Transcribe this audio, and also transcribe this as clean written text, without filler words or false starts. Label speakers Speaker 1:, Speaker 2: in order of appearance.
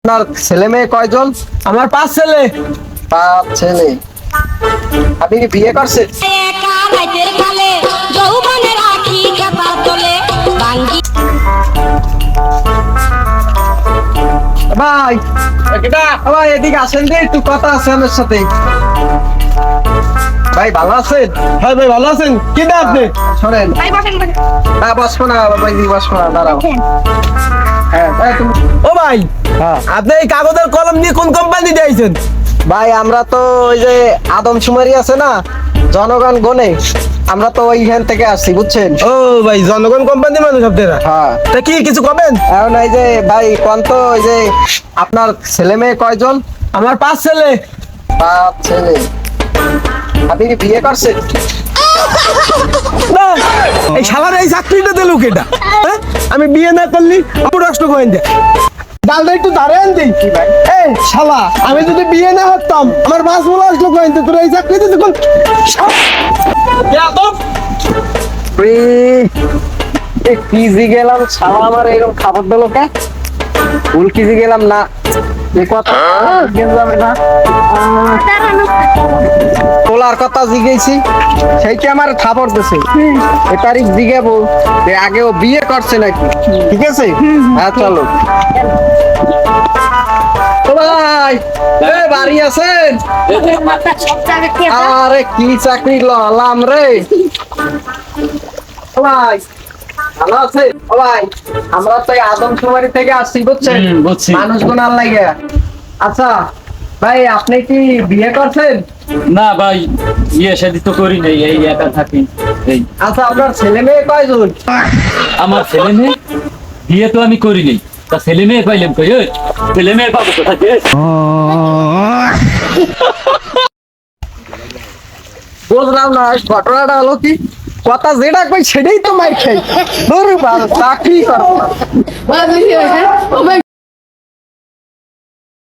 Speaker 1: আপনার ছেলে মেয়ে কয়জন?
Speaker 2: আমার 5 ছেলে।
Speaker 1: 5 ছেলে। আপনি কি বিয়ে করছেন? ভাই ভাই এদিকে আসেন রে, একটু কথা আছে আমার সাথে। ভাই ভালো আছেন?
Speaker 2: হ্যাঁ ভাই ভালো আছেন? কি না আপনি?
Speaker 1: শোনেন, হ্যাঁ বসবো না ভাই, বসবো না, দাঁড়াও। হ্যাঁ ভাই তুমি,
Speaker 2: ও ভাই,
Speaker 1: হ্যাঁ
Speaker 2: আপনি এই কাগজের কলম নিয়ে কোন কোম্পানি দিয়েছেন?
Speaker 1: ভাই আমরা তো ওই যে আদমশুমারি আছে না, জনগণ গনে, আমরা তো ওইখান থেকে আসছি বুঝছেন।
Speaker 2: ও ভাই, জনগণ কোম্পানি মানুষ আপনারা?
Speaker 1: হ্যাঁ,
Speaker 2: তা কি কিছু কবেন?
Speaker 1: এখন এই যে ভাই কোন তো ওই যে আপনার ছেলে মেয়ে কয়জন?
Speaker 2: আমার 5 ছেলে।
Speaker 1: 5 ছেলে। আপনি কি বিয়ে করছেন?
Speaker 2: না, এই শালার এই চাকরিটা দিল কেটা? হ্যাঁ? আমি বিয়ে না করলি আমার নষ্ট করেন দে। ডালটা একটু দাঁড়ান দিই।
Speaker 1: কি ভাই?
Speaker 2: এই শালা, আমি যদি বিয়ে না করতাম আমার 5 বলে আসলো করেন দে, তোর এই চাকরিতে দেখুন।
Speaker 1: কিজি গেলাম ছাড়া আমার এরকম খাবার দিল কে? ভুল কিজি গেলাম না, এ কথা যাবে না। তোলার কথা জিগেছি, সেইটা আমার খাবার দিছে। এ তারিখ জিগাবো যে আগে ও বিয়ে করছে নাকি, ঠিক আছে? হ্যাঁ চলো। ও ভাই, এ বাড়ি আছেন? আরে কি চাকরি ললাম রে। ও ভাই ভালো আছে? ও ভাই আমরা তো এই আদমশুমারি থেকে আসছি বুঝছেন,
Speaker 3: বুঝছি।
Speaker 1: মানুষ গোনার লাগে। আচ্ছা ভাই আপনি কি বিয়ে করছেন?
Speaker 3: না ভাই, বিয়ে শাদী তো করি নাই, এই একা থাকি। এই
Speaker 1: আচ্ছা আপনার ছেলে মেয়ে কয়জন?
Speaker 3: আমার ছেলে মেয়ে, বিয়ে তো আমি করি নাই, তা ছেলে মেয়ে পাইলাম কই? ওই ছেলে মেয়ে পাবো কোথা থেকে?
Speaker 1: বুঝলাম না ঘটনাটা হলো কি, কথা যেটা কই সেটাই তো মার খাই। ধরু চাকরি করবো না।